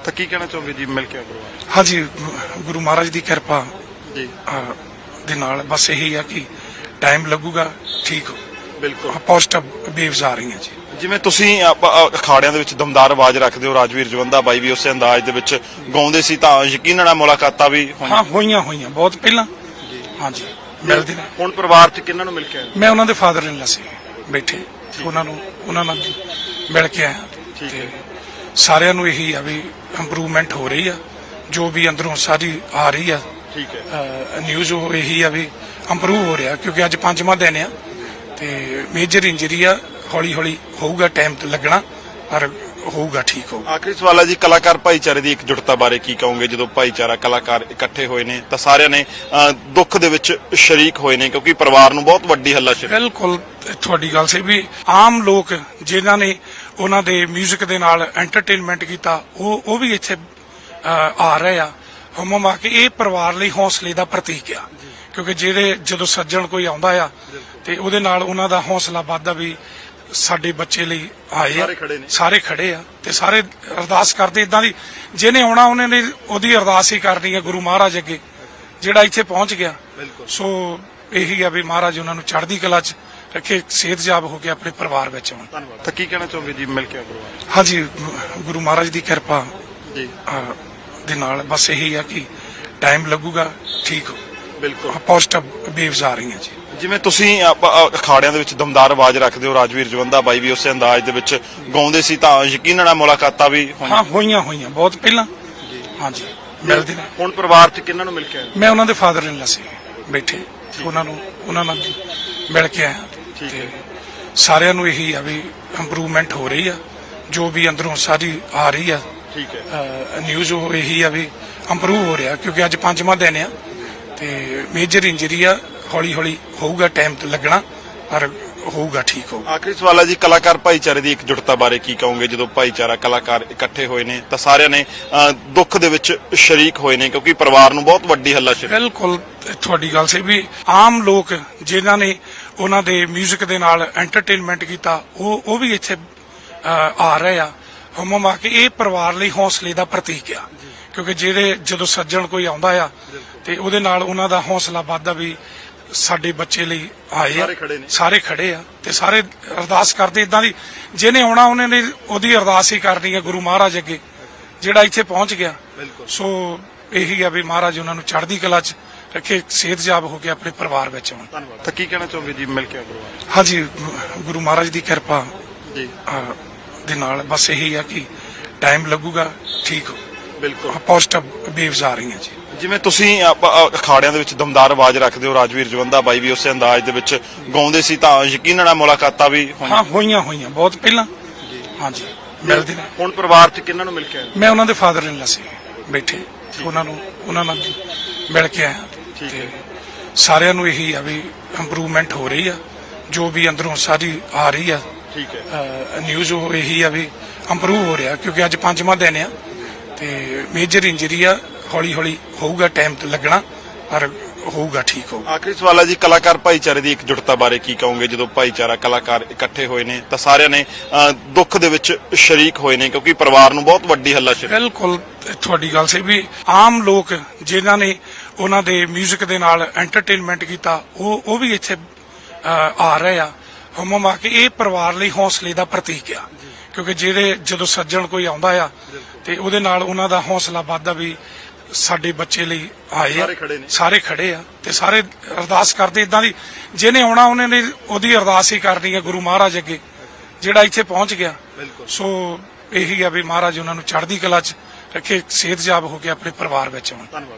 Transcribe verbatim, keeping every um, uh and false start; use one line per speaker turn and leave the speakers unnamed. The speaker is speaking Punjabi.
ਤਾਂ ਕੀ ਕਹਿਣਾ ਚਾਹੋਗੇ ਜੀ ਮਿਲ ਕੇ ਗੁਰੂ
ਹਾਂਜੀ ਗੁਰੂ ਮਹਾਰਾਜ ਦੀ ਕਿਰਪਾ
ਜੀ
ਦੇ ਨਾਲ ਬਸ ਇਹੀ ਆ ਕਿ ਟਾਈਮ ਲੱਗੂਗਾ ਠੀਕ
ਬਿਲਕੁਲ
ਪੋਜ਼ਿਟਿਵ ਵੇਵਸ ਆ ਰਹੀਆਂ ਜੀ।
ਜਿਵੇਂ ਤੁਸੀਂ ਆਪਾਂ ਅਖਾੜਿਆਂ ਦੇ ਵਿੱਚ ਦਮਦਾਰ ਆਵਾਜ਼ ਰੱਖਦੇ ਹੋ, ਰਾਜਵੀਰ ਜਵੰਦਾ ਬਾਈ ਵੀ ਉਸੇ ਅੰਦਾਜ਼ ਦੇ ਵਿੱਚ ਗਾਉਂਦੇ ਸੀ, ਤਾਂ ਯਕੀਨਨ ਮੁਲਾਕਾਤਾਂ ਵੀ
ਹਾਂ ਹੋਈਆਂ ਹੋਈਆਂ ਬਹੁਤ ਪਹਿਲਾਂ ਹਾਂਜੀ ਮਿਲਦੇ ਨੇ।
ਹੁਣ ਪਰਿਵਾਰ 'ਚ ਕਿਹਨਾਂ ਨੂੰ ਮਿਲ ਕੇ ਆਏ?
ਮੈਂ ਉਹਨਾਂ ਦੇ ਫਾਦਰ ਇਨ ਲਾ ਸੀ ਬੈਠੇ, ਉਹਨਾਂ ਨੂੰ ਉਹਨਾਂ ਨਾਲ ਮਿਲ ਕੇ ਆਇਆ ਤੇ ਸਾਰਿਆਂ ਨੂੰ ਇਹੀ ਆ ਵੀ ਇੰਪਰੂਵਮੈਂਟ ਹੋ ਰਹੀ ਆ, ਜੋ ਵੀ ਅੰਦਰੋਂ ਸਾਰੀ ਆ ਰਹੀ ਆ
ਠੀਕ ਹੈ
ਨਿਊਜ਼ ਉਹ ਇਹੀ ਆ ਵੀ ਇੰਪਰੂਵ ਹੋ ਰਿਹਾ, ਕਿਉਂਕਿ ਅੱਜ ਪੰਜਵਾਂ ਦਿਨ ਆ ਤੇ ਮੇਜਰ ਇੰਜਰੀ ਆ, ਹੌਲੀ ਹੌਲੀ ਹੋਊਗਾ, ਟਾਈਮ ਤੇ ਲੱਗਣਾ ਪਰ ਹੋਊਗਾ ਠੀਕ ਹੋਊਗਾ।
ਆਖਰੀ ਸਵਾਲ ਹੈ ਜੀ, ਕਲਾਕਾਰ ਭਾਈਚਾਰੇ ਦੀ ਇਕਜੁੱਟਤਾ ਬਾਰੇ ਕੀ ਕਹੋਗੇ? ਜਦੋਂ ਭਾਈਚਾਰਾ ਕਲਾਕਾਰ ਇਕੱਠੇ ਹੋਏ ਨੇ ਤਾਂ ਸਾਰਿਆਂ ਨੇ ਦੁੱਖ ਦੇ ਵਿੱਚ ਸ਼ਰੀਕ ਹੋਏ ਨੇ, ਕਿਉਂਕਿ ਪਰਿਵਾਰ ਨੂੰ ਬਹੁਤ ਵੱਡੀ ਹੱਲਾਸ਼ੇਰੀ।
ਬਿਲਕੁਲ ਤੁਹਾਡੀ ਗੱਲ ਸਹੀ ਵੀ ਆਮ ਲੋਕ ਜਿਨ੍ਹਾਂ ਨੇ ਉਹਨਾਂ ਦੇ 뮤직 ਦੇ ਨਾਲ ਐਂਟਰਟੇਨਮੈਂਟ ਕੀਤਾ ਉਹ ਉਹ ਵੀ ਇੱਥੇ ਆ ਰਹੇ ਆ ਹਮਮ ਆ ਕੇ। ਇਹ ਪਰਿਵਾਰ ਲਈ ਹੌਸਲੇ ਦਾ ਪ੍ਰਤੀਕ ਆ, ਕਿਉਂਕਿ ਜਿਹੜੇ ਜਦੋਂ ਸੱਜਣ ਕੋਈ ਆਉਂਦਾ ਆ ਤੇ ਉਹਦੇ ਨਾਲ ਉਹਨਾਂ ਦਾ ਹੌਸਲਾ ਵੱਧਦਾ ਵੀ ਸਾਡੇ ਬੱਚੇ ਲਈ ਆਏ ਆ, ਸਾਰੇ ਖੜੇ ਆ ਤੇ ਸਾਰੇ ਅਰਦਾਸ ਕਰਦੇ ਇਦਾਂ ਦੀ ਜਿਹਨੇ ਆਉਣਾ ਉਹਨੇ ਨੇ ਉਹਦੀ ਅਰਦਾਸ ਹੀ ਕਰਨੀ ਹੈ ਗੁਰੂ ਮਹਾਰਾਜ ਅੱਗੇ, ਜਿਹੜਾ ਇੱਥੇ ਪਹੁੰਚ ਗਿਆ। ਸੋ ਇਹੀ ਆ ਵੀ ਮਹਾਰਾਜ ਉਹਨਾਂ ਨੂੰ ਚੜ੍ਹਦੀ ਕਲਾ 'ਚ ਰੱਖੇ, ਸਿਹਤਯਾਬ ਹੋ ਕੇ ਆਪਣੇ ਪਰਿਵਾਰ ਵਿੱਚ ਆਉਣ।
ਧੰਨਵਾਦ। ਤਾਂ ਕੀ ਕਹਿਣਾ ਚਾਹੋਗੇ ਜੀ ਮਿਲ ਕੇ ਗੁਰੂ?
ਹਾਂਜੀ ਗੁਰੂ ਮਹਾਰਾਜ ਦੀ ਕਿਰਪਾ
ਜੀ
ਦੇ ਨਾਲ ਬਸ ਇਹੀ ਆ ਕਿ ਟਾਈਮ ਲੱਗੂਗਾ ਠੀਕ
ਬਿਲਕੁਲ
ਪੋਜ਼ਿਟਿਵ ਵੇਵਸ ਆ ਰਹੀਆਂ ਜੀ।
ਜਿਵੇਂ ਤੁਸੀਂ ਆਪਾਂ ਅਖਾੜਿਆਂ ਦੇ ਵਿੱਚ ਦਮਦਾਰ ਆਵਾਜ਼ ਰੱਖਦੇ ਹੋ, ਰਾਜਵੀਰ ਜਵੰਦਾ ਬਾਈ ਵੀ ਉਸੇ ਅੰਦਾਜ਼ ਦੇ ਵਿੱਚ ਗਾਉਂਦੇ ਸੀ, ਤਾਂ ਯਕੀਨਨ ਮੁਲਾਕਾਤਾਂ ਵੀ
ਹਾਂ ਹੋਈਆਂ ਹੋਈਆਂ ਬਹੁਤ ਪਹਿਲਾਂ ਹਾਂਜੀ ਮਿਲਦੇ ਨੇ।
ਹੁਣ ਪਰਿਵਾਰ 'ਚ ਕਿਹਨਾਂ ਨੂੰ ਮਿਲ ਕੇ ਆਏ?
ਮੈਂ ਉਹਨਾਂ ਦੇ ਫਾਦਰ ਇਨ ਲਾ ਸੀ ਬੈਠੇ, ਉਹਨਾਂ ਨੂੰ ਉਹਨਾਂ ਨਾਲ ਮਿਲ ਕੇ ਆਇਆ ਤੇ ਸਾਰਿਆਂ ਨੂੰ ਇਹੀ ਆ ਵੀ ਇੰਪਰੂਵਮੈਂਟ ਹੋ ਰਹੀ ਆ, ਜੋ ਵੀ ਅੰਦਰੋਂ ਸਾਰੀ ਆ ਰਹੀ ਆ
ਠੀਕ ਹੈ
ਨਿਊਜ਼ ਉਹ ਇਹੀ ਆ ਵੀ ਇੰਪਰੂਵ ਹੋ ਰਿਹਾ, ਕਿਉਂਕਿ ਅੱਜ ਪੰਜਵਾਂ ਦਿਨ ਆ ਤੇ ਮੇਜਰ ਇੰਜਰੀ ਆ, ਹੌਲੀ ਹੌਲੀ ਹੋਊਗਾ, ਟਾਈਮ ਤੇ ਲੱਗਣਾ ਪਰ ਹੋਊਗਾ ਠੀਕ ਹੋਊਗਾ।
ਆਖਰੀ ਸਵਾਲ ਹੈ ਜੀ, ਕਲਾਕਾਰ ਭਾਈਚਾਰੇ ਦੀ ਇਕਜੁੱਟਤਾ ਬਾਰੇ ਕੀ ਕਹੋਗੇ? ਜਦੋਂ ਭਾਈਚਾਰਾ ਕਲਾਕਾਰ ਇਕੱਠੇ ਹੋਏ ਨੇ ਤਾਂ ਸਾਰਿਆਂ ਨੇ ਦੁੱਖ ਦੇ ਵਿੱਚ ਸ਼ਰੀਕ ਹੋਏ ਨੇ, ਕਿਉਂਕਿ ਪਰਿਵਾਰ ਨੂੰ ਬਹੁਤ ਵੱਡੀ ਹੱਲਾਸ਼ੇਰੀ।
ਬਿਲਕੁਲ ਤੁਹਾਡੀ ਗੱਲ ਸਹੀ ਵੀ ਆਮ ਲੋਕ ਜਿਨ੍ਹਾਂ ਨੇ ਉਹਨਾਂ ਦੇ 뮤직 ਦੇ ਨਾਲ ਐਂਟਰਟੇਨਮੈਂਟ ਕੀਤਾ ਉਹ ਉਹ ਵੀ ਇੱਥੇ ਆ ਰਹੇ ਆ ਹਮਮ ਆ ਕੇ। ਇਹ ਪਰਿਵਾਰ ਲਈ ਹੌਸਲੇ ਦਾ ਪ੍ਰਤੀਕ ਆ, ਕਿਉਂਕਿ ਜਿਹੜੇ ਜਦੋਂ ਸੱਜਣ ਕੋਈ ਆਉਂਦਾ ਆ ਤੇ ਉਹਦੇ ਨਾਲ ਉਹਨਾਂ ਦਾ ਹੌਸਲਾ ਵੱਧਦਾ ਵੀ ਸਾਡੇ ਬੱਚੇ ਲਈ ਆਏ ਆ, ਸਾਰੇ ਖੜੇ ਆ ਤੇ ਸਾਰੇ ਅਰਦਾਸ ਕਰਦੇ ਇਦਾਂ ਦੀ ਜਿਹਨੇ ਆਉਣਾ ਉਹਨੇ ਨੇ ਉਹਦੀ ਅਰਦਾਸ ਹੀ ਕਰਨੀ ਹੈ ਗੁਰੂ ਮਹਾਰਾਜ ਅੱਗੇ, ਜਿਹੜਾ ਇੱਥੇ ਪਹੁੰਚ ਗਿਆ। ਸੋ ਇਹੀ ਆ ਵੀ ਮਹਾਰਾਜ ਉਹਨਾਂ ਨੂੰ ਚੜ੍ਹਦੀ ਕਲਾ 'ਚ ਰੱਖੇ, ਸਿਹਤਯਾਬ ਹੋ ਕੇ ਆਪਣੇ ਪਰਿਵਾਰ ਵਿੱਚ ਆਉਣ।
ਧੰਨਵਾਦ। ਤਾਂ ਕੀ ਕਹਿਣਾ ਚਾਹੋਗੇ ਜੀ ਮਿਲ ਕੇ ਗੁਰੂ?
ਹਾਂਜੀ ਗੁਰੂ ਮਹਾਰਾਜ ਦੀ ਕਿਰਪਾ
ਜੀ
ਦੇ ਨਾਲ ਬਸ ਇਹੀ ਆ ਕਿ ਟਾਈਮ ਲੱਗੂਗਾ ਠੀਕ
ਬਿਲਕੁਲ
ਪੋਜ਼ਿਟਿਵ ਵੇਵਸ ਆ ਰਹੀਆਂ ਜੀ।
ਜਿਵੇਂ ਤੁਸੀਂ ਆਪਾਂ ਅਖਾੜਿਆਂ ਦੇ ਵਿੱਚ ਦਮਦਾਰ ਆਵਾਜ਼ ਰੱਖਦੇ ਹੋ, ਰਾਜਵੀਰ ਜਵੰਦਾ ਬਾਈ ਵੀ ਉਸੇ ਅੰਦਾਜ਼ ਦੇ ਵਿੱਚ ਗਾਉਂਦੇ ਸੀ, ਤਾਂ ਯਕੀਨਨ ਮੁਲਾਕਾਤਾਂ ਵੀ
ਹਾਂ ਹੋਈਆਂ ਹੋਈਆਂ ਬਹੁਤ ਪਹਿਲਾਂ ਹਾਂਜੀ ਮਿਲਦੇ ਨੇ।
ਹੁਣ ਪਰਿਵਾਰ 'ਚ ਕਿਹਨਾਂ ਨੂੰ ਮਿਲ ਕੇ ਆਏ?
ਮੈਂ ਉਹਨਾਂ ਦੇ ਫਾਦਰ ਇਨ ਲਾ ਸੀ ਬੈਠੇ, ਉਹਨਾਂ ਨੂੰ ਉਹਨਾਂ ਨਾਲ ਮਿਲ ਕੇ ਆਇਆ ਤੇ ਸਾਰਿਆਂ ਨੂੰ ਇਹੀ ਆ ਵੀ ਇੰਪਰੂਵਮੈਂਟ ਹੋ ਰਹੀ ਆ, ਜੋ ਵੀ ਅੰਦਰੋਂ ਸਾਰੀ ਆ ਰਹੀ ਆ
ਠੀਕ ਹੈ
ਨਿਊਜ਼ ਉਹ ਇਹੀ ਆ ਵੀ ਇੰਪਰੂਵ ਹੋ ਰਿਹਾ, ਕਿਉਂਕਿ ਅੱਜ ਪੰਜਵਾਂ ਦਿਨ ਆ ਤੇ ਮੇਜਰ ਇੰਜਰੀ ਆ, ਹੌਲੀ ਹੌਲੀ ਹੋਊਗਾ, ਟਾਈਮ ਤੇ ਲੱਗਣਾ ਪਰ ਹੋਊਗਾ ਠੀਕ ਹੋਊਗਾ।
ਆਖਰੀ ਸਵਾਲ ਹੈ ਜੀ, ਕਲਾਕਾਰ ਭਾਈਚਾਰੇ ਦੀ ਇਕਜੁੱਟਤਾ ਬਾਰੇ ਕੀ ਕਹੋਗੇ? ਜਦੋਂ ਭਾਈਚਾਰਾ ਕਲਾਕਾਰ ਇਕੱਠੇ ਹੋਏ ਨੇ ਤਾਂ ਸਾਰਿਆਂ ਨੇ ਦੁੱਖ ਦੇ ਵਿੱਚ ਸ਼ਰੀਕ ਹੋਏ ਨੇ, ਕਿਉਂਕਿ ਪਰਿਵਾਰ ਨੂੰ ਬਹੁਤ ਵੱਡੀ ਹੱਲਾਸ਼ੇਰੀ।
ਬਿਲਕੁਲ ਤੁਹਾਡੀ ਗੱਲ ਸਹੀ ਵੀ ਆਮ ਲੋਕ ਜਿਨ੍ਹਾਂ ਨੇ ਉਹਨਾਂ ਦੇ 뮤직 ਦੇ ਨਾਲ ਐਂਟਰਟੇਨਮੈਂਟ ਕੀਤਾ ਉਹ ਉਹ ਵੀ ਇੱਥੇ ਆ ਰਹੇ ਆ ਹਮਮ ਆ ਕੇ। ਇਹ ਪਰਿਵਾਰ ਲਈ ਹੌਸਲੇ ਦਾ ਪ੍ਰਤੀਕ ਆ, ਕਿਉਂਕਿ ਜਿਹੜੇ ਜਦੋਂ ਸੱਜਣ ਕੋਈ ਆਉਂਦਾ ਆ ਤੇ ਉਹਦੇ ਨਾਲ ਉਹਨਾਂ ਦਾ ਹੌਸਲਾ ਵੱਧਦਾ ਵੀ ਸਾਡੇ ਬੱਚੇ ਲਈ ਆਏ ਆ, ਸਾਰੇ ਖੜੇ ਆ ਤੇ ਸਾਰੇ ਅਰਦਾਸ ਕਰਦੇ ਇਦਾਂ ਦੀ ਜਿਹਨੇ ਆਉਣਾ ਉਹਨੇ ਨੇ ਉਹਦੀ ਅਰਦਾਸ ਹੀ ਕਰਨੀ ਹੈ ਗੁਰੂ ਮਹਾਰਾਜ ਅੱਗੇ, ਜਿਹੜਾ ਇੱਥੇ ਪਹੁੰਚ ਗਿਆ। ਸੋ ਇਹੀ ਆ ਵੀ ਮਹਾਰਾਜ ਉਹਨਾਂ ਨੂੰ ਚੜ੍ਹਦੀ ਕਲਾ 'ਚ ਰੱਖੇ, ਸਿਹਤਯਾਬ ਹੋ ਕੇ ਆਪਣੇ ਪਰਿਵਾਰ ਵਿੱਚ ਆਉਣ।